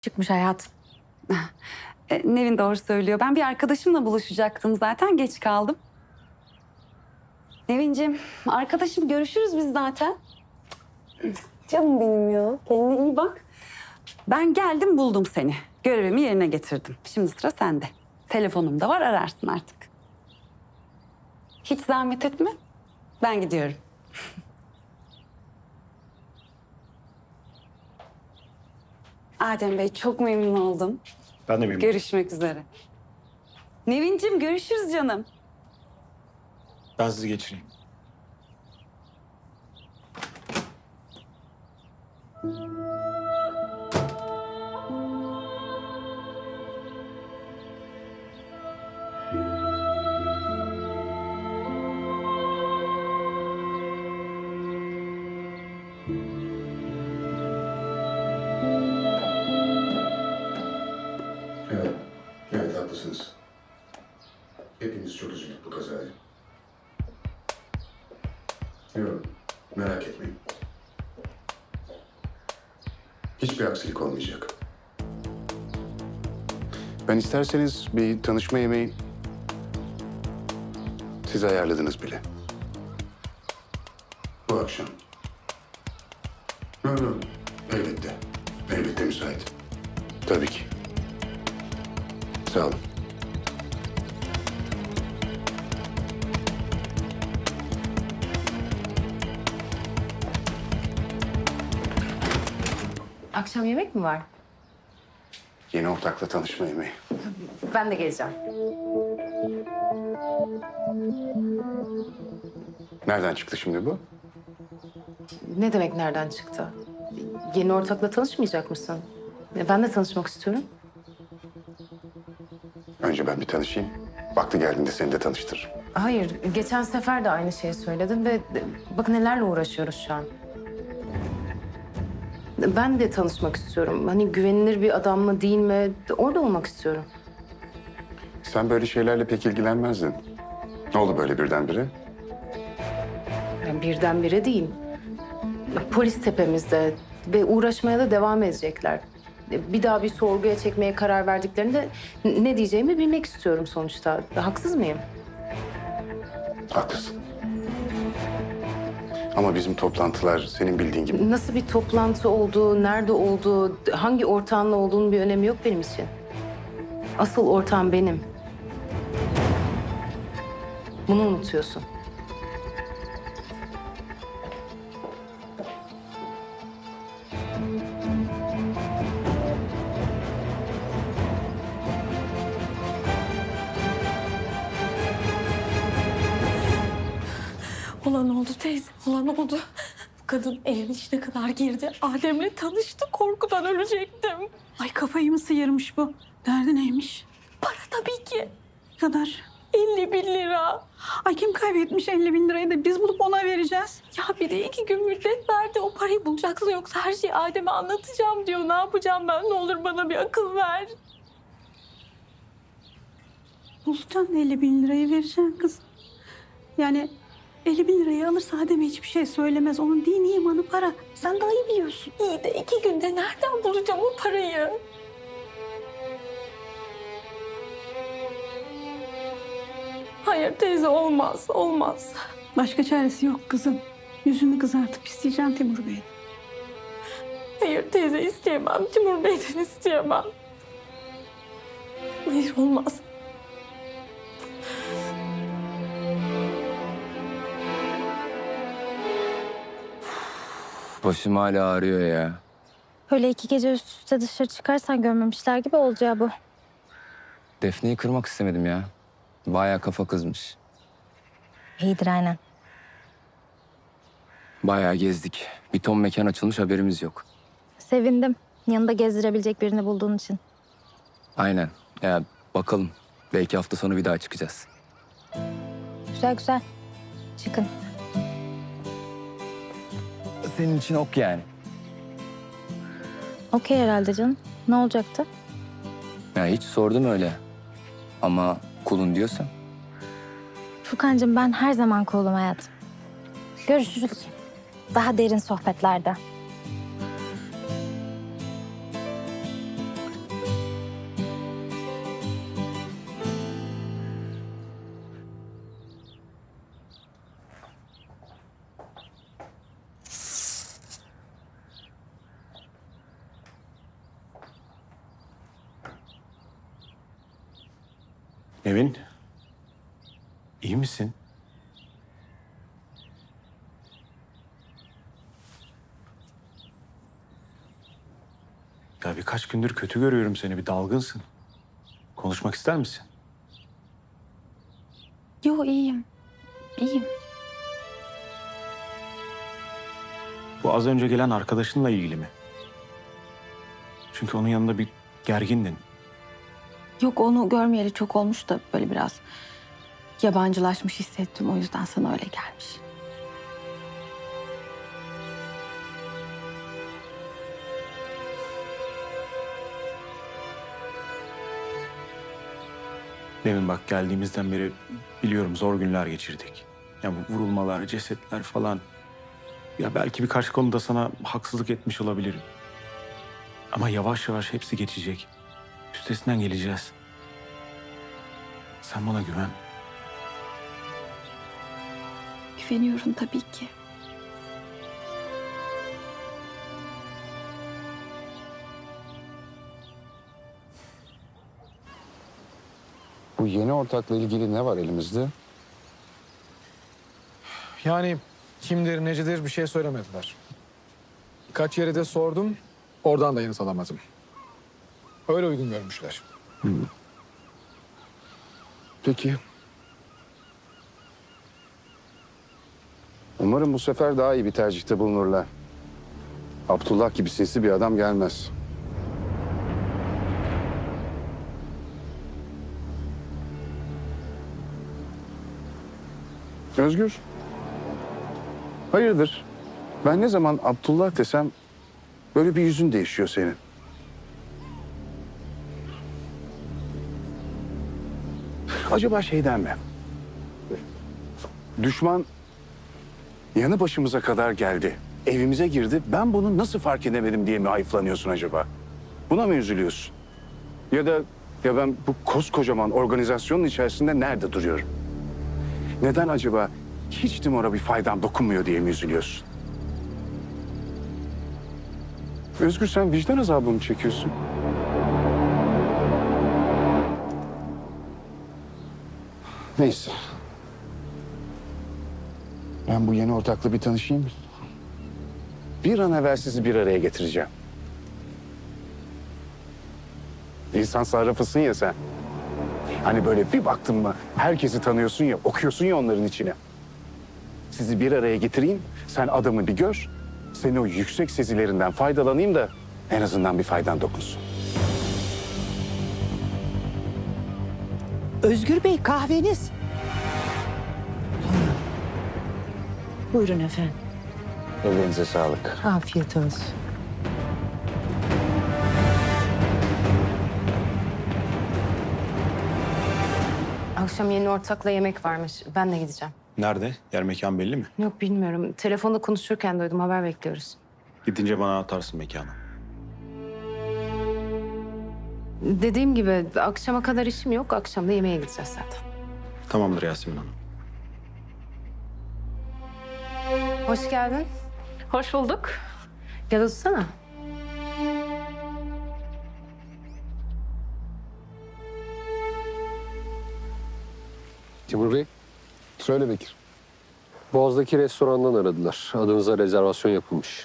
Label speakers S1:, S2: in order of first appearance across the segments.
S1: Çıkmış hayat.
S2: Nevin doğru söylüyor. Ben bir arkadaşımla buluşacaktım zaten. Geç kaldım. Nevinciğim, arkadaşım görüşürüz biz zaten. Canım benim ya. Kendine iyi bak. Ben geldim buldum seni. Görevimi yerine getirdim. Şimdi sıra sende. Telefonum da var ararsın artık. Hiç zahmet etme. Ben gidiyorum. Adem Bey çok memnun oldum.
S3: Ben de memnunum.
S2: Görüşmek üzere. Nevinciğim görüşürüz canım.
S3: Ben sizi geçireyim.
S4: Evet, evet haklısınız. Hepimiz çok üzüldük bu kazaya. Yok, merak etmeyin. Hiçbir aksilik olmayacak. Ben isterseniz bir tanışma yemeği siz ayarladınız bile. Bu akşam. Yok, yok, elbette. Elbette müsait. Tabii ki. Sağ olun.
S1: Akşam yemek mi var?
S4: Yeni ortakla tanışma yemeği.
S1: Ben de geleceğim.
S4: Nereden çıktı şimdi bu?
S1: Ne demek nereden çıktı? Yeni ortakla tanışmayacak mısın? Ben de tanışmak istiyorum.
S4: Önce ben bir tanışayım. Vakti geldiğinde seni de tanıştırırım.
S1: Hayır, geçen sefer de aynı şeyi söyledin ve bakın nelerle uğraşıyoruz şu an. Ben de tanışmak istiyorum. Hani güvenilir bir adam mı değil mi? Orada olmak istiyorum.
S4: Sen böyle şeylerle pek ilgilenmezdin. Ne oldu böyle birdenbire?
S1: Yani birdenbire değil. Polis tepemizde ve uğraşmaya da devam edecekler. Bir daha bir sorguya çekmeye karar verdiklerinde ne diyeceğimi bilmek istiyorum sonuçta. Haksız mıyım?
S4: Haklısın. Ama bizim toplantılar senin bildiğin gibi.
S1: Nasıl bir toplantı olduğu, nerede olduğu, hangi ortağınla olduğunun bir önemi yok benim için. Asıl ortağım benim. Bunu unutuyorsun.
S5: Olan oldu teyze, olan oldu. Bu kadın evin içine kadar girdi. Adem'le tanıştı, korkudan ölecektim.
S6: Ay kafayı mı sıyırmış bu? Derdi neymiş?
S5: Para tabii ki.
S6: Ne kadar?
S5: 50.000 lira.
S6: Ay kim kaybetmiş 50 bin lirayı da biz bulup ona vereceğiz.
S5: Ya bir de 2 gün müddet verdi. O parayı bulacaksın yoksa her şeyi Adem'e anlatacağım diyor. Ne yapacağım ben? Ne olur bana bir akıl ver.
S6: Bulacaksın 50 bin lirayı vereceksin kız. Yani 50 bin lirayı alırsa Adem'e hiçbir şey söylemez. Onun dini imanı para. Sen daha iyi biliyorsun.
S5: İyi de 2 günde nereden bulacağım o parayı? Hayır teyze olmaz, olmaz.
S6: Başka çaresi yok kızım. Yüzünü kızartıp isteyeceksin Timur Bey'den.
S5: Hayır teyze isteyemem. Timur Bey'den isteyemem. Hayır olmaz.
S7: Başım hala ağrıyor ya.
S8: Öyle 2 gece üst üste dışarı çıkarsan görmemişler gibi olacağı bu.
S7: Defne'yi kırmak istemedim ya. Bayağı kafa kızmış.
S8: İyidir aynen.
S7: Bayağı gezdik. Bir ton mekan açılmış, haberimiz yok.
S8: Sevindim. Yanında gezdirebilecek birini bulduğun için.
S7: Aynen. Ya bakalım. Belki hafta sonu bir daha çıkacağız.
S8: Güzel güzel. Çıkın.
S7: Senin için ok yani.
S8: Okey herhalde canım. Ne olacaktı?
S7: Ya hiç sordum öyle. Ama kulun diyorsan.
S8: Furkancığım ben her zaman cool'um hayatım. Görüşürüz. Daha derin sohbetlerde.
S3: Nevin, iyi misin? Ya birkaç gündür kötü görüyorum seni, bir dalgınsın. Konuşmak ister misin?
S5: Yo iyiyim. İyiyim.
S3: Bu az önce gelen arkadaşınla ilgili mi? Çünkü onun yanında bir gergindin.
S5: Yok onu görmeyeli çok olmuş da böyle biraz yabancılaşmış hissettim. O yüzden sana öyle gelmiş.
S3: Nevin bak, geldiğimizden beri biliyorum zor günler geçirdik. Ya bu vurulmalar, cesetler falan. Ya belki birkaç konuda sana haksızlık etmiş olabilirim. Ama yavaş yavaş hepsi geçecek. Üstesinden geleceğiz. Sen bana güven.
S5: Güveniyorum tabii ki.
S4: Bu yeni ortakla ilgili ne var elimizde?
S9: Yani kimdir, necidir bir şey söylemediler. Birkaç yere de sordum, oradan da yanıt alamadım. Öyle uygun görmüşler.
S4: Peki. Umarım bu sefer daha iyi bir tercihte bulunurlar. Abdullah gibi sinsi bir adam gelmez. Özgür. Hayırdır? Ben ne zaman Abdullah desem böyle bir yüzün değişiyor senin. Acaba şeyden mi? Düşman yanı başımıza kadar geldi. Evimize girdi. Ben bunu nasıl fark edemedim diye mi hayıflanıyorsun acaba? Buna mı üzülüyorsun? Ya ben bu koskocaman organizasyonun içerisinde nerede duruyorum? Neden acaba hiç Timur'a bir faydam dokunmuyor diye mi üzülüyorsun? Özgür, sen vicdan azabı mı çekiyorsun? Neyse. Ben bu yeni ortakla bir tanışayım. Bir an evvel sizi bir araya getireceğim. İnsan sarrafısın ya sen. Hani böyle bir baktın mı herkesi tanıyorsun ya, okuyorsun ya onların içine. Sizi bir araya getireyim, sen adamı bir gör. Senin o yüksek sezilerinden faydalanayım da en azından bir faydan dokunsun.
S10: Özgür Bey, kahveniz. Buyurun efendim.
S4: Ellerinize sağlık.
S10: Afiyet olsun.
S1: Akşam yeni ortakla yemek varmış. Ben de gideceğim.
S3: Nerede? Yer mekan belli mi?
S1: Yok bilmiyorum. Telefonda konuşurken duydum. Haber bekliyoruz.
S3: Gidince bana atarsın mekanı.
S1: Dediğim gibi akşama kadar işim yok. Akşam da yemeğe gideceğiz zaten.
S3: Tamamdır Yasemin Hanım.
S1: Hoş geldin.
S5: Hoş bulduk.
S1: Gel otursana.
S11: Timur Bey,
S4: Söyle Bekir.
S11: Boğaz'daki restorandan aradılar. Adınıza rezervasyon yapılmış.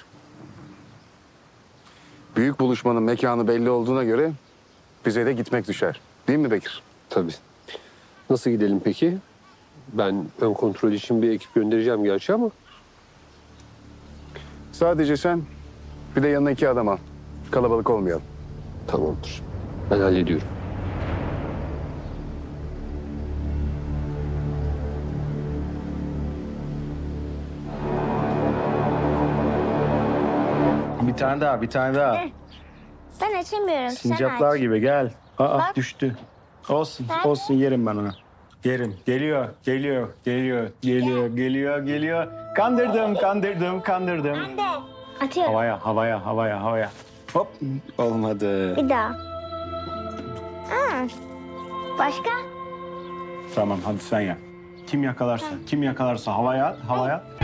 S4: Büyük buluşmanın mekanı belli olduğuna göre bize de gitmek düşer. Değil mi Bekir?
S11: Tabii. Nasıl gidelim peki? Ben ön kontrol için bir ekip göndereceğim gerçi ama...
S4: Sadece sen, bir de yanına 2 adam al. Kalabalık olmayalım.
S11: Tamamdır. Ben hallediyorum.
S3: Bir tane daha, bir tane daha.
S8: Ben açamıyorum.
S3: Sincaplar gibi gel. Aa
S8: Bak.
S3: düştü. Olsun,
S8: Nerede?
S3: olsun yerim ben onu. Yerim. Geliyor, geliyor, geliyor, geliyor, geliyor, geliyor. Kandırdım, kandırdım, kandırdım.
S8: Atıyorum.
S3: Havaya, havaya, havaya, havaya. Hop, olmadı.
S8: Bir daha. Başka?
S3: Tamam, hadi sen yap. Kim yakalarsa, kim yakalarsa havaya at, havaya at.